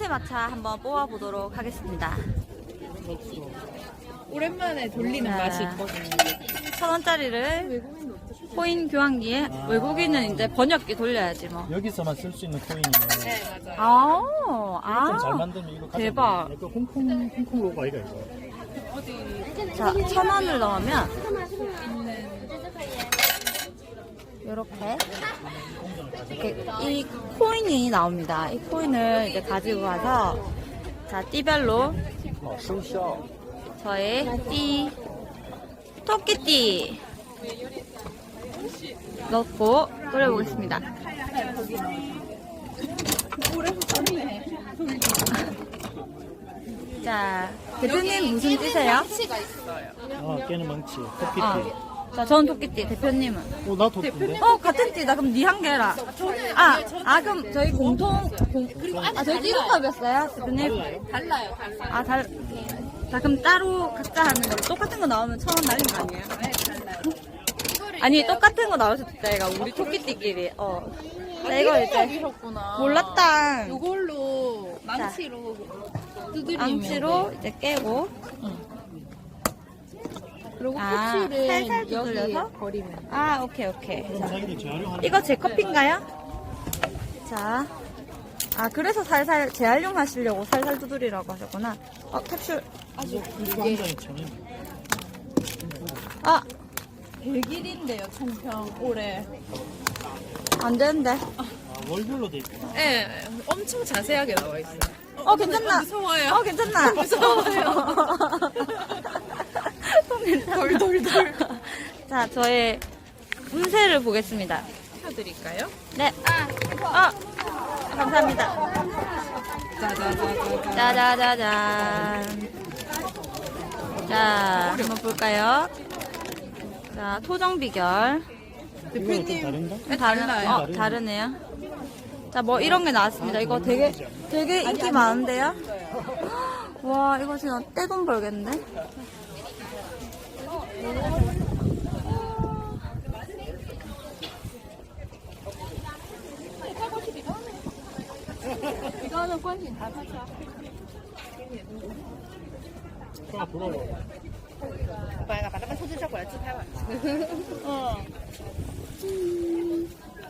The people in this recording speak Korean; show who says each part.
Speaker 1: 마차 한번 뽑아보도록 하겠습니다.
Speaker 2: 오랜만에 돌리는 맛이 있거든요.
Speaker 1: 1,000원짜리를 코인 교환기에 외국인은 이제 번역기 돌려야지 뭐.
Speaker 3: 여기서만 쓸 수 있는 코인이네.
Speaker 2: 네, 맞아요.
Speaker 1: 아,
Speaker 3: 잘 만들면 이거 가져가.
Speaker 1: 대박.
Speaker 3: 약간 홍콩 로고 아이가 이거.
Speaker 1: 자, 1,000원을 넣으면 이렇게 이 코인이 나옵니다. 이 코인을 이제 가지고 가서 자, 띠별로 저의 토끼띠 넣고 끓여보겠습니다. 자, 대표님 무슨 띠세요?
Speaker 3: 깨는 망치. 토끼띠.
Speaker 1: 자, 전 토끼띠, 대표님은?
Speaker 3: 나 토끼인데?
Speaker 1: 같은 띠다. 그럼 니 한 개라. 그럼 저희 저희 띠동갑이었어요, 대표님?
Speaker 2: 달라요.
Speaker 1: 자, 그럼 따로 각자 하는 거 똑같은 거 나오면 1,000원 날린 거 아니에요? 아니, 똑같은 거 나올 수도 있다, 얘가. 우리 토끼띠끼리. 자, 이거 이제.
Speaker 2: 여기셨구나.
Speaker 1: 몰랐다.
Speaker 2: 이걸로 망치로 두드리면
Speaker 1: 암치로 이제 깨고.
Speaker 2: 그리고
Speaker 1: 살살
Speaker 2: 코치를
Speaker 1: 두들려서?
Speaker 2: 여기에 버리면.
Speaker 1: 오케이.
Speaker 3: 그럼 자기들 재활용하는
Speaker 1: 이거 제 커피인가요? 자. 그래서 살살 재활용하시려고 살살 두드리라고 하셨구나. 캡슐.
Speaker 3: 이거 한 잔에 1,000원.
Speaker 2: 100일인데요, 총평 올해.
Speaker 1: 안 되는데.
Speaker 3: 월별로 돼 있고.
Speaker 2: 네, 엄청 자세하게 나와 있어요.
Speaker 1: 괜찮나?
Speaker 2: 무서워요.
Speaker 1: 괜찮나?
Speaker 2: 무서워요. 돌돌돌.
Speaker 1: 자, 저의 운세를 보겠습니다.
Speaker 2: 펴드릴까요?
Speaker 1: 네. 감사합니다.
Speaker 2: 짜자자자자.
Speaker 1: 짜자자잔. 자, 한번 볼까요? 자, 토정 비결.
Speaker 3: 이거 좀 다른가?
Speaker 2: 달라요.
Speaker 1: 다르네요. 자, 뭐 이런 게 나왔습니다. 이거 되게 인기 많은데요? 와, 이거 진짜 떼돈 벌겠는데?
Speaker 2: 이거는 관심 다 사죠.
Speaker 3: 돌아봐.
Speaker 2: 把它们抽出效果来自拍吧。